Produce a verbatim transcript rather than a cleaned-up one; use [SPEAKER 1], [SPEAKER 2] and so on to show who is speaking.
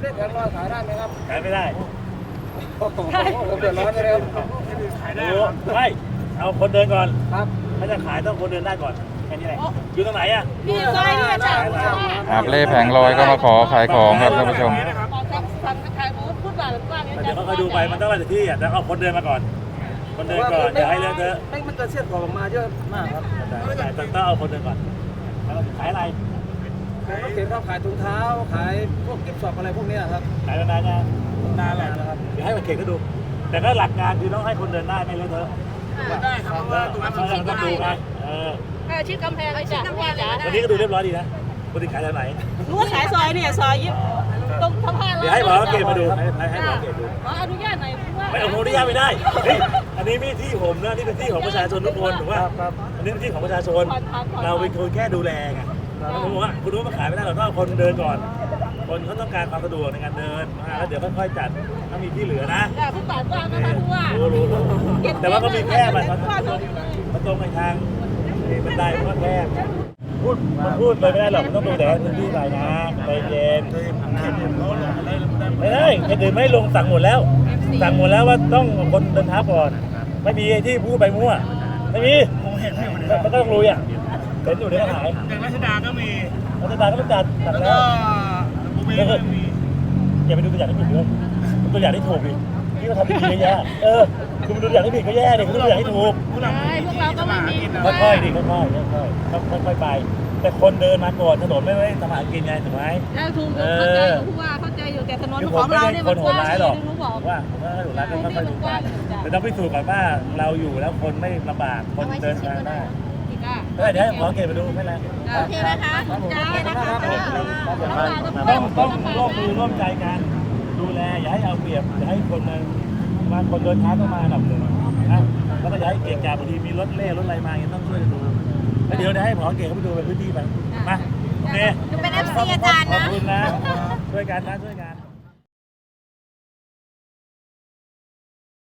[SPEAKER 1] เล่นแผงลอยขายได้ไหมครับ
[SPEAKER 2] ขายไม่ได้
[SPEAKER 1] ผมเดือดร้อนเลยครับ
[SPEAKER 2] ขายได้ไม่เอาคนเดินก่อน
[SPEAKER 1] ครับ
[SPEAKER 2] ถ้าจะขายต้องคนเดินได้ก่อนแค่นี้แหละอยู่ตรงไหนอ่ะ
[SPEAKER 3] พี่ซอยนี่จ้ะ
[SPEAKER 4] อาบเล่แผงลอยก็มาขอขายของครับท่านผู้ชม
[SPEAKER 3] พูดแบบว่าเนี่ย
[SPEAKER 2] เดี๋ยวเขาดูไปมันต้องอะไรที่อ่ะแต่เอาคนเดินมาก่อนคนเดินก่อนอย่าให้เลอะเทอะ
[SPEAKER 1] ไม่มันเกิดเสี้ยนกรอบออกมาเยอะมากครับ
[SPEAKER 2] แต่ต้องเอาคนเดินก่อนขายอะไร
[SPEAKER 1] ขายรถเข็นครับขายถุงเท้าขายพวกกิฟต์ช็อปอะไรพวกนี้ครับ
[SPEAKER 2] ขายนานยัง
[SPEAKER 1] นานแล้วครับ
[SPEAKER 2] เดี๋ยวให้มันเข็นก็ดูแต่ก็หลักการคือต้องให้คนเดินได้ไม่เลอะเทอะ
[SPEAKER 1] ได้ครับเพราะว่าตรงนั้นมัน
[SPEAKER 2] ต้องดูไงเออ
[SPEAKER 3] ชิดกำแพงชิดกำแพงจ้ะ
[SPEAKER 2] วันนี้ก็ดูเรียบร้อยดีนะปกติขายทางไหน
[SPEAKER 3] รู้ว่าขายซอยเนี่ยซอยยิบตรงสะพาน
[SPEAKER 2] เดี๋ยวให้หมอเกตมาดูให้ให้หมอเกตดู
[SPEAKER 3] ขออนุญาตหน่อย
[SPEAKER 2] ไม่เอาอนุญาตไม่ได้อันนี้ไม่ที่ผมนะนี่เป็นที่ของประชาชนทุกคนถูกป่ะอันนี้เป็นที่ของประชาชนเราเป็นคนแค่ดูแลไงผมบอกว่าคุณรู้มาขายไม่ได้เราต้องเอาคนเดินก่อนคนเขาต้องการความสะดวกในการเดินแล้วเดี๋ยวค่อยๆจัดถ้ามีที่เหลือนะ
[SPEAKER 3] แต่ผู้ป่วยกว้างนะคะผู้ว่า
[SPEAKER 2] รู้รู้แต่ว่าก็มีแคบมันมันตรงไปทางบันไดมันก็แคบพูดมันพูดไปไม่ได้หรอกมันต้องดูแต่พื้นที่ไหนนะใจเย็นไม่ได้แค่เดินไม่ลงสั่งหมดแล้วสั่งหมดแล้วว่าต้องคนเดินเท้าก่อนไม่มีที่พูดไปมั่วไม่มีมันก็ต้องรู้อ่ะเห็นอยู่ในขาย
[SPEAKER 1] อย่างรัชดาก็มี
[SPEAKER 2] รัชดาก็ต้องจัดจัดแล้วก็มีอย่าไปดูตัวอย่างที่ผิดด้วยตัวอย่างที่ถูกดิที่เขาทำดีๆแย่เออคุณดูตัวอย่างที่ผิดก็แย่ดิคุณดูตัวอย่างที่ถูก
[SPEAKER 3] พวกเราก็ไม่มี
[SPEAKER 2] ค่อยๆดิค่อยๆค่อยๆค่อยๆไปแต่คนเดินมาก่อนถนนไม่ได้ทำหากินไงถูกไหม
[SPEAKER 3] ถูกเข้าใจอยู่ผู้ว่าเข้าใจอยู่แต่ถนนของเราเนี่ยมันกว้าง
[SPEAKER 2] หรอกว่าผมว่าถนนร้านก็ค่อยๆดูกันแต่ต้องพิสูจน์ก่อนว่าเราอยู่แล้วคนไม่ลำบากคนเดินทางได้ก็เดี๋ยวขอเก็บไปดูไม่แล้ว
[SPEAKER 3] โอเคนะคะจ้านะคะ
[SPEAKER 2] ต้องต้องร่วมมือร่วมใจกันดูแลอย่าให้เอาเปรียบอย่าให้คนมามาคนเดินทางต้องมาหนับหนึ่งนะแล้วก็อย่าให้เก่งกาบางทีมีรถเล่รถอะไรมาต้องช่วยดูแล้วเดี๋ยวให้หมอเก่งเขาไปดูเป็นพื้นที่ไปมาโอเค
[SPEAKER 3] เป็นเอฟซีอาจารย์นะ
[SPEAKER 2] ขอบคุณนะช่วยกันนะช่วยกัน